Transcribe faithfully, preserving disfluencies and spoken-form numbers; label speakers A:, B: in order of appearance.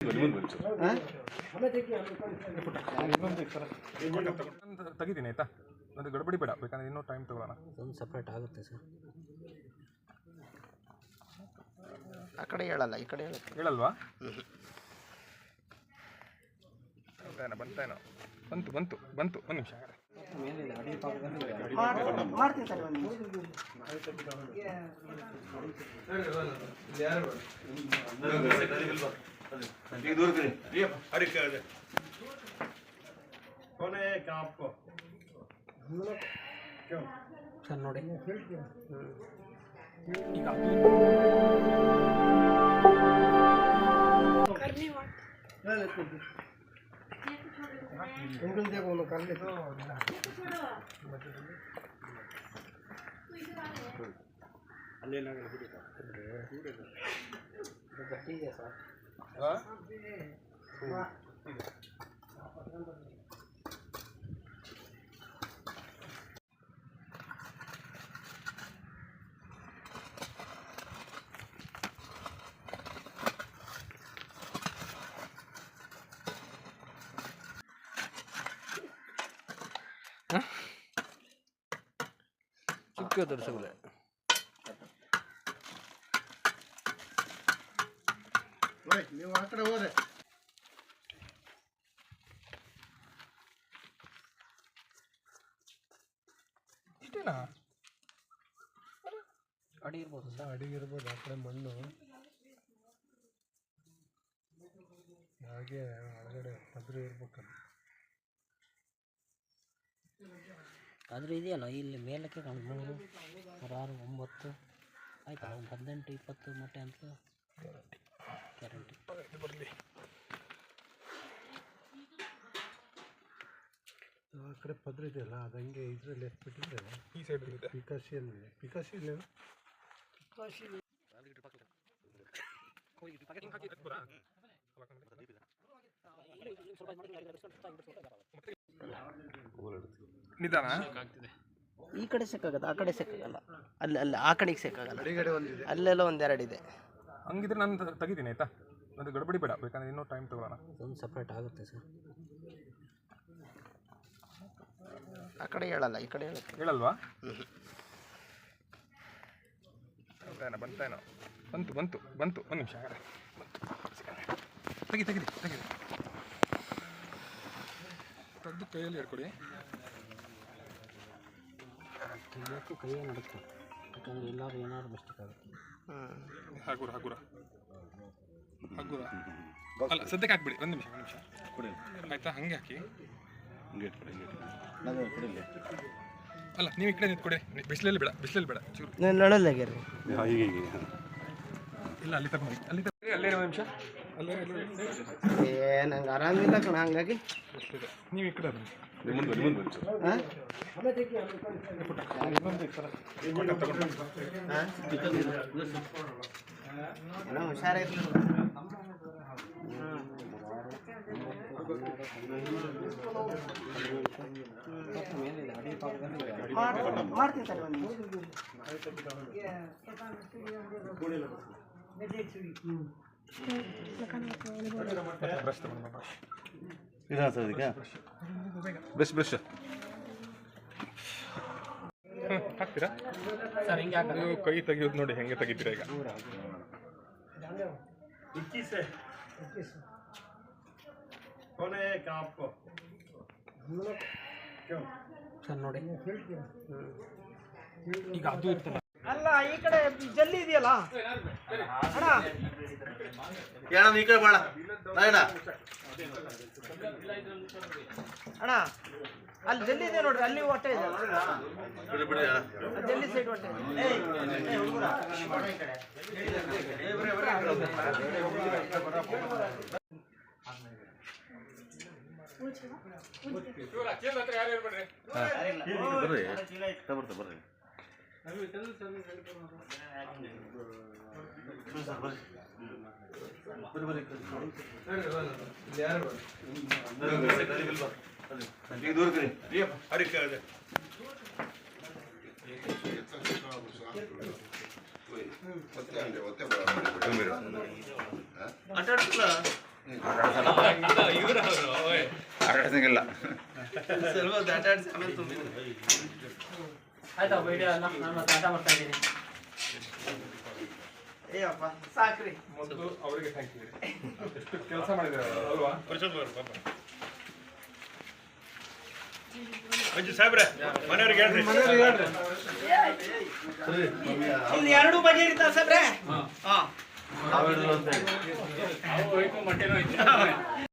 A: ತೆಗಿತೀನಿ ಆಯ್ತಾ, ಅದು ಗಡಬಡಿ ಬೇಡ, ಬೇಕಂದ್ರೆ ಇನ್ನೂ ಟೈಮ್ ತಗೊಳ್ಳೋಣ.
B: ಒಂದು ಸಪ್ರೇಟ್ ಆಗುತ್ತೆ ಸರ್.
C: ಆ ಕಡೆ ಹೇಳಲ್ಲ, ಈ ಕಡೆ
A: ಹೇಳಲ್ವಾ? ಬಂತೇನೋ ಬಂತೇನೋ ಬಂತು ಬಂತು ಬಂತು ಒಂದು ನಿಮಿಷ
C: ಮಾಡ್ತೀನಿ ಸರ್. ಒಂದು
B: ಸರ್ ನೋಡಿ
A: ಈಗ
C: उंगल देखो उन्होंने कर ले तो अल्ले ना कर दे तो गट्टी है सर। हां
B: ಚುಕ್ಕೆ ತೋರಿಸಬಲ್ಲ
C: ನೀವು ಆ ಕಡೆ ಹೋದ್ರೆ
A: ಇಷ್ಟೇನಾ?
B: ಅಡಿ ಇರ್ಬೋದು ಸರ್,
D: ಅಡಿ ಇರ್ಬೋದು. ಆ ಕಡೆ ಮಣ್ಣು ಹಾಗೆ ಒಳಗಡೆ ಪದ್ರೆ ಇರ್ಬೇಕಲ್ಲ.
B: ಆದರೂ ಇದೆಯಲ್ಲ ಇಲ್ಲಿ ಮೇಲಕ್ಕೆ ಮೂರು ಆರು ಒಂಬತ್ತು ಆಯ್ತಾ, ಒಂದು ಹದಿನೆಂಟು ಇಪ್ಪತ್ತು ಮೊಟ್ಟೆ ಅಂತ ಗ್ಯಾರಂಟಿ
A: ಬರಲಿ.
D: ಆ ಕಡೆ ಪದ್ರ ಇದೆಯಲ್ಲ, ಅದು ಹಂಗೆ ಇದರಲ್ಲಿ ಎತ್ಬಿಟ್ಟಿದ್ರೆ
A: ಈ ಸೈಡ್ ಇದೆ
D: ಪಿಕಾಸಿಯಲ್ಲಿ ಪಿಕಾಸಿಯಲ್ಲಿ
A: ನಿಧಾನ.
C: ಈ ಕಡೆ ಸಿಕ್ಕಾಗತ್ತೆ, ಆ ಕಡೆ ಸಿಕ್ಕಾಗಲ್ಲ. ಅಲ್ಲಿ ಅಲ್ಲಿ ಆ ಕಡೆಗೆ ಸಿಕ್ಕಾಗಲ್ಲ,
D: ಅಡಿಗಡೆ ಒಂದಿದೆ,
C: ಅಲ್ಲೆಲ್ಲ ಒಂದೆರಡು ಇದೆ.
A: ಹಂಗಿದ್ರೆ ನಾನು ತೆಗಿತೀನಿ ಆಯ್ತಾ, ಅದು ಗಡಬಡಿ ಬೇಡ, ಬೇಕಂದ್ರೆ ಇನ್ನೂ ಟೈಮ್ ತಗೊಳ್ಳೋಣ.
B: ಒಂದು ಸಪ್ರೇಟ್ ಆಗುತ್ತೆ ಸರ್.
C: ಆ ಕಡೆ ಹೇಳಲ್ಲ, ಈ ಕಡೆ
A: ಹೇಳಲ್ವಾ? ಬಂತೇನೋ ಬಂತೇನೋ ಬಂತು ಬಂತು ಬಂತು ಒಂದು ನಿಮಿಷ ತೆಗಿ ತೆಗಿದಿ ತೆಗಿದಿ ತೆಗೆದು ಕೈಯಲ್ಲಿ ಹಿಡ್ಕೊಡಿ.
B: ತೆಗಿಯೋಕ್ಕೂ ಕೈಯೇ ನಡುತ್ತೆ, ಯಾಕಂದರೆ ಎಲ್ಲರೂ ಏನಾದ್ರು ಮಿಸ್ಟೇಕ್ ಆಗುತ್ತೆ.
A: ಹಗುರ ಹಗುರ ಹಗುರ ಅಲ್ಲ, ಸದ್ಯಕ್ಕೆ ಹಾಕ್ಬಿಡಿ. ಒಂದು ನಿಮಿಷ ಒಂದು ನಿಮಿಷ ಆಯ್ತಾ, ಹಂಗೆ ಹಾಕಿ. ಅಲ್ಲ, ನೀವು ಈ ಕಡೆ ನಿಂತ್ಕೊಡಿ, ಬಿಸಿಲಲ್ಲಿ ಬೇಡ, ಬಿಸಿಲಲ್ಲಿ ಬೇಡ, ಚೂರು
C: ನಡಲ್ಲಾಗ್ಯಾರ.
A: ಇಲ್ಲ, ಅಲ್ಲಿ ತಗೊಂಡು ಅಲ್ಲಿ ತಗೊಂಡು ಅಲ್ಲೇ ಒಂದು ನಿಮಿಷ ಅಲ್ಲೇ.
C: ಏ ನಂಗೆ ಆರಾಮಿಲ್ಲ ಕಣ, ಹಂಗಾಗಿ
A: ನೀವು ಈ ಕಡೆ ಬನ್ನಿ.
C: ಹುಷಾರಾಯ್ತು. ಮಾಡ್ತೀನಿ ಸರ್. ಒಂದು
A: ಬ್ರಷ್ ಬ್ರಷ್ ಹಾಕ್ತೀರಾ
B: ಸರ್? ಹಿಂಗೆ
A: ನೀವು ಕೈ ತೆಗಿಯೋದು ನೋಡಿ, ಹೆಂಗೆ ತೆಗಿತೀರಾ ಈಗ?
B: ಸರ್ ನೋಡಿ
A: ಈಗ ಅದು ಇರ್ತಲ್ಲ.
C: ಅಲ್ಲ, ಈ ಕಡೆ ಜಲ್ಲಿ ಇದೆಯಲ್ಲ ಅಣ್ಣ,
E: ಈ ಕಡೆ ಬಾಳ
C: ಅಣ್ಣ ಅಲ್ಲಿ ಜಲ್ಲಿ ಇದೆ ನೋಡ್ರಿ, ಅಲ್ಲಿ ಹೊಟ್ಟೆ ಇದೆ, ಜಲ್ಲಿ ಸೈಡ್ ಹೊಟ್ಟೆ.
E: ಬರ್ರಿ ಬರ್ರಿ ದೂರ ಕರಿ ಆಟ ಆಡ್ತಿಲ್ಲ. ಆಟಾಡ್ಸಂಗಿಲ್ಲ.
B: ಆಯ್ತಾ ವಿಡಿಯೋ ಎಲ್ಲ ನಾನು ಮತ್ತೆ ಆಟ ಮಾಡ್ತಾ ಇದ್ದೀನಿ.
C: ಏಯಪ್ಪ ಸಾಕ್ರಿ.
A: ಮೊದಲು ಅವರಿಗೆ ಥ್ಯಾಂಕ್ ಯು. ಎಷ್ಟು ಕೆಲಸ ಮಾಡಿದ್ದಾರೆ ಅಲ್ವಾ?
E: ಮಂಜು ಸಾಹೇಬ್ರೆ ಮನೆಯವ್ರಿಗೆ ಹೇಳ್ರಿ.
C: ಇಲ್ಲಿ ಎರಡು ಬಗೆ ಇರ್ತಾವ ಸಾಬ್ರೆ. ಹಾ